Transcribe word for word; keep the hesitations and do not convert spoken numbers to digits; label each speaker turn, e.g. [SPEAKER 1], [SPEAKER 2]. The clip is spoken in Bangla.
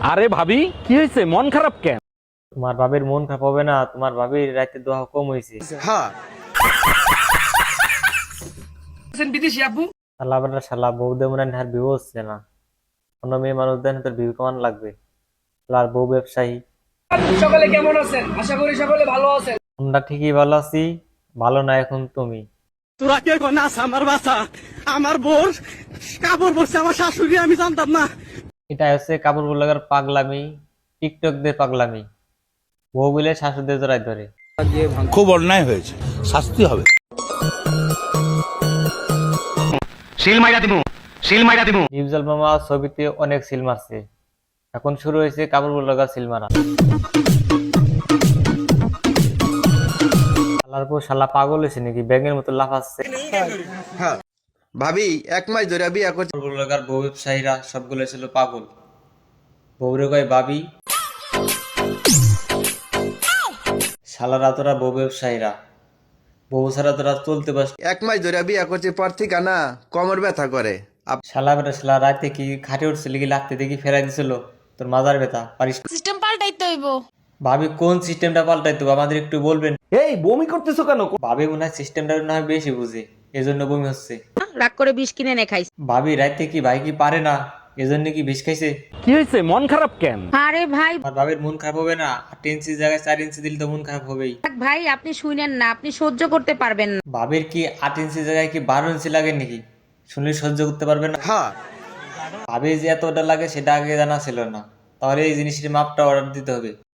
[SPEAKER 1] আরে ভাবি, কি হয়েছে? মন খারাপ কেন?
[SPEAKER 2] তোমার ভাবির মন খারাপ হবে না? তোমার ভাবির রাতে দোয়া কম হয়েছে।
[SPEAKER 3] হ্যাঁ
[SPEAKER 2] শালা বেটা শালা বউ দে মনে হয় বিয়ে হচ্ছে না। অন্য মেয়ে মানুষ দেন তোর বিয়ে কেমন লাগবে? আর বউ ব্যবসায়ী।
[SPEAKER 4] সকলে কেমন আছেন? আশা করি সকলে ভালো আছেন।
[SPEAKER 2] আমরা ঠিকই ভালো আছি, ভালো না এখন তুমি।
[SPEAKER 5] তোরা কে নাচ আমার বাসা, আমার বোর কাপড় পরছে আমার শাশুড়ি, আমি জানতাম না।
[SPEAKER 2] এটা হচ্ছে কাপড় লাগার পাগলামি, টিকটক দের পাগলামি। বউ বলে শাশুড়িদের জড়াই ধরে।
[SPEAKER 3] খুব অন্যায় হয়েছে, শাস্তি হবে।
[SPEAKER 2] নিউজল মামা ছবিতে অনেক সিল মারছে, এখন শুরু হয়েছে কাপড় লাগার সিল মারা। শালার পর শালা পাগল হয়েছে নাকি? ব্যাঙের মতো লাফাচ্ছে।
[SPEAKER 3] হ্যাঁ ভাবি এক মাস ধরে বিয়ে করছে।
[SPEAKER 2] কাপড় লাগার বউ ব্যবসায়ীরা সবগুলো ছিল পাগল। বউরে কয় বাবি, শালারা তোরা বউ ব্যবসায়ীরা, বউ ছাড়া তোরা চলতে পারস।
[SPEAKER 3] এক মাস ধরে বিয়ে করছে, পর থেকে না কোমর ব্যথা করে। আপ-
[SPEAKER 2] শালা বেটা শালা রাতে কি খাটে উঠছিল কি লাগতে দেখি ফেরাই দিছিল তোর মাজার ব্যথা পারিস।
[SPEAKER 6] সিস্টেম পাল্টাইতে হইব।
[SPEAKER 2] ভাবি কোন সিস্টেমটা পাল্টাইতো আমাদের একটু বলবেন?
[SPEAKER 1] এই বমি করতেছো কেন?
[SPEAKER 2] ভাবি মনে হয় সিস্টেমটা না হয় বেশি বুঝে, এজন্য বমি হচ্ছে।
[SPEAKER 6] রাগ করে বিষ কিনে নে খাইস।
[SPEAKER 2] ভাবি রাতে কি ভাই কি পারে না, এজন্য কি বিষ খাইছে?
[SPEAKER 1] কি হয়েছে? মন খারাপ কেন?
[SPEAKER 6] আরে ভাই
[SPEAKER 2] আমার ভাবির মন খারাপ হবে না? আট ইঞ্চি জায়গায় চার ইঞ্চি দিলে তো মন খারাপ হবেই।
[SPEAKER 6] ভাই আপনি শুনেন না, আপনি সহ্য করতে পারবেন না।
[SPEAKER 2] ভাবির কি আট ইঞ্চি জায়গায় কি বারো ইঞ্চি লাগে নাকি? শুনলে সহ্য করতে পারবে না?
[SPEAKER 3] হ্যাঁ
[SPEAKER 2] ভাবি যে এতটা লাগে সেটা আগে জানা ছিল না, তাহলে এই জিনিসের মাপটা অর্ডার দিতে হবে।